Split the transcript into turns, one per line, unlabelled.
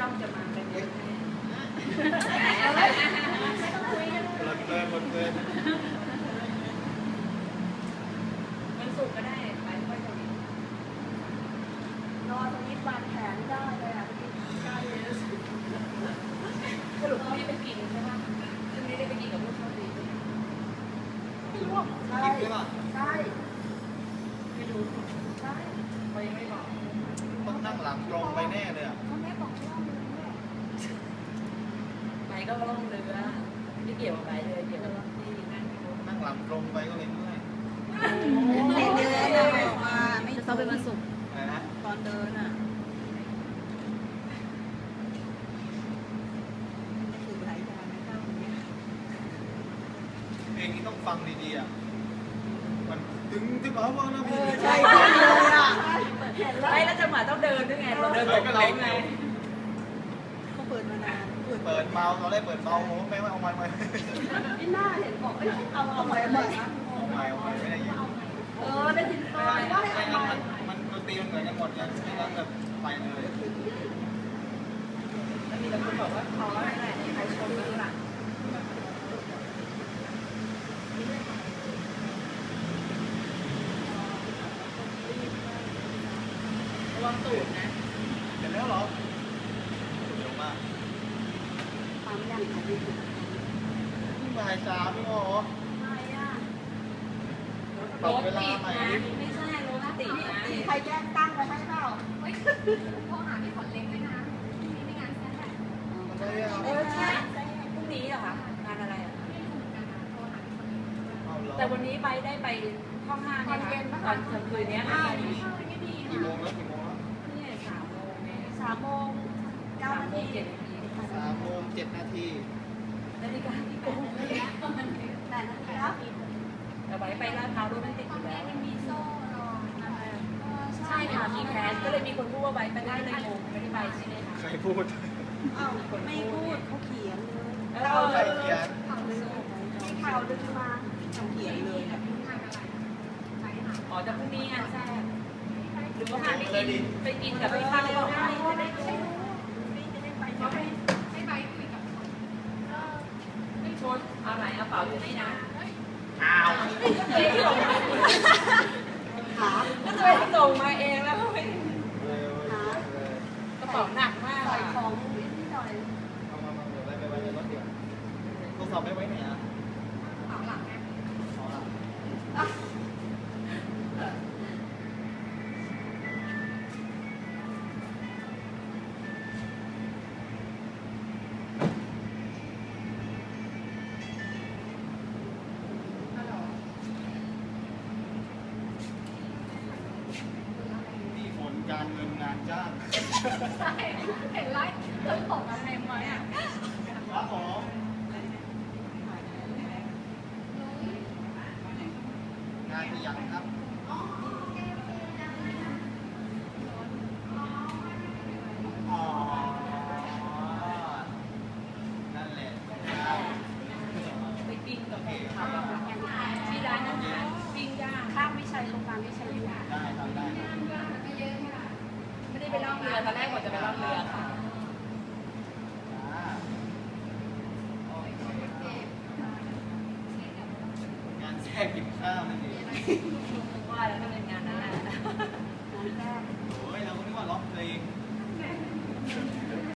จ้องจะมาเป็นเยอะแน่
หมดเลย
มันสุกก็ได้ไปค่อยจะวินอนตรงนี้วางแผนได้เลยอ่ะได้เลยสรุปเขาไม่ไปกินใช่ไหมซึ่งไม่ได้ไปกินกับลูกเขาดีไม่รู้ใช่ใช่ไม่รู้ใช่เขายังไม่บอก
ต้องนั่งหลังตรงไปแน่เลยอ่ะ
เขาแม่บอกล่องเรือไปก็ล่องเรือไม่เกี่ยวกับไปเลยเกี่ยวกับที่
นั่งหลังตรงไปก็เลยเมื่อย
เดินออกมาไม่ต้องเป็นวันศุกร์ตอนเดินอ่ะคือหลายอย่างนะเจ้าอย่างเงี้ย
เพลงนี้ต้องฟังดีๆอ่ะมันตึงเอาว่านะพี่
ใช่เลยอ่ะ
ไม่แล้วจังหวะต้องเดินด้วยไงเราเดินก็เลยไง
เขาเปิดมานาน
เปิดเมาตอนแรกเปิดเมาผมไม่เอาไม้มา
พี่หน้าเห็นบอกเอาไม้มา
เอาไม้ไม่ได้ยิน
ได้ยินว่าให้เอาไม้
มันดนตรีมันเหมือนกันหมดเลยไม่งั้นแบบไปเลย
แล้วมีแต่คนบอกว่าเขาอะไรใครชมกันหลังระวังตูดนะ
เห็นแล้วเหรอเร็วมาก
ความยากของพี่
บ่าย3นี่หรอ
รถติดนะไม่ใช่รถติดนะ
ใครแจ้งตั้งไปให้เปล่า
เฮ้ยโทรหาพี่ขวัญเล็กด้วยนะพรุ่งนี้ในงานแซ่บใช่พรุ่งนี้เหรอคะงานอะไรอ่ะแต่วันนี้ได้ไปห้อง5เนี่ยนะตอนกลางคืนนี้
กี่โมงแล้ว
นี่3 โมงเนี่ย
3 โมง 9 นาที
7 นาที
3 โมง 7 นาที
นาฬิกาที่โกง
8 นาทีแล้ว
แต่ไปลาดพร้าวรถมันติดอยู่แล้ว
มีโซ่รอ
ใช่ค่ะมีแคสก็เลยมีคนพูดว่าไปได้เลยงงไม่ได้ไปใช่ไหมคะ
ใครพูด
อ้าวไม่พูดเขาเขียนเลย
ใครเขียน
ข่าวดึงมาเขียนเลย
อ๋อแต่พรุ่งนี้งานแซ่บหรือว่าพาไปกินกับพี่ข้าวบอกให้จะได้รู้ไม่ไปคุยกับเขาไม่ชนเอาไหนเอาเป๋าอยู่นี่นะ
อ้าว
ก็เลยส่งมาก็เลยส่งมาเองแล้วไม่กระเป๋าหนักมาก
ใส่ของนิดหน่อย
เอามาเดี๋ยวไปไว้ในรถเดี๋ยวโทรศัพท์ไม่ไว้ไหนอ่ะ
กระเป๋าหลังไง
การเงินงานจ้าง
ใช่เห็นไลฟ์เติมของอะไรมาอ่ะ
ครับผมงานที่ยังครับอ๋อนั่นแหละ
ไปกินกับเขาที่ร้านนั้นปิ้งย่างข้ามวิชัยโรงพยาบาลวิชัยอยู่
ได้ทำได้
ไม่ได้ไปล่องเรือตอนแรกว่าจะไปล่องเรือค่ะ
งานแทรกกินข้าวนั่นเอง
ว่าแล้วก็เป็นงานนั้นแหละ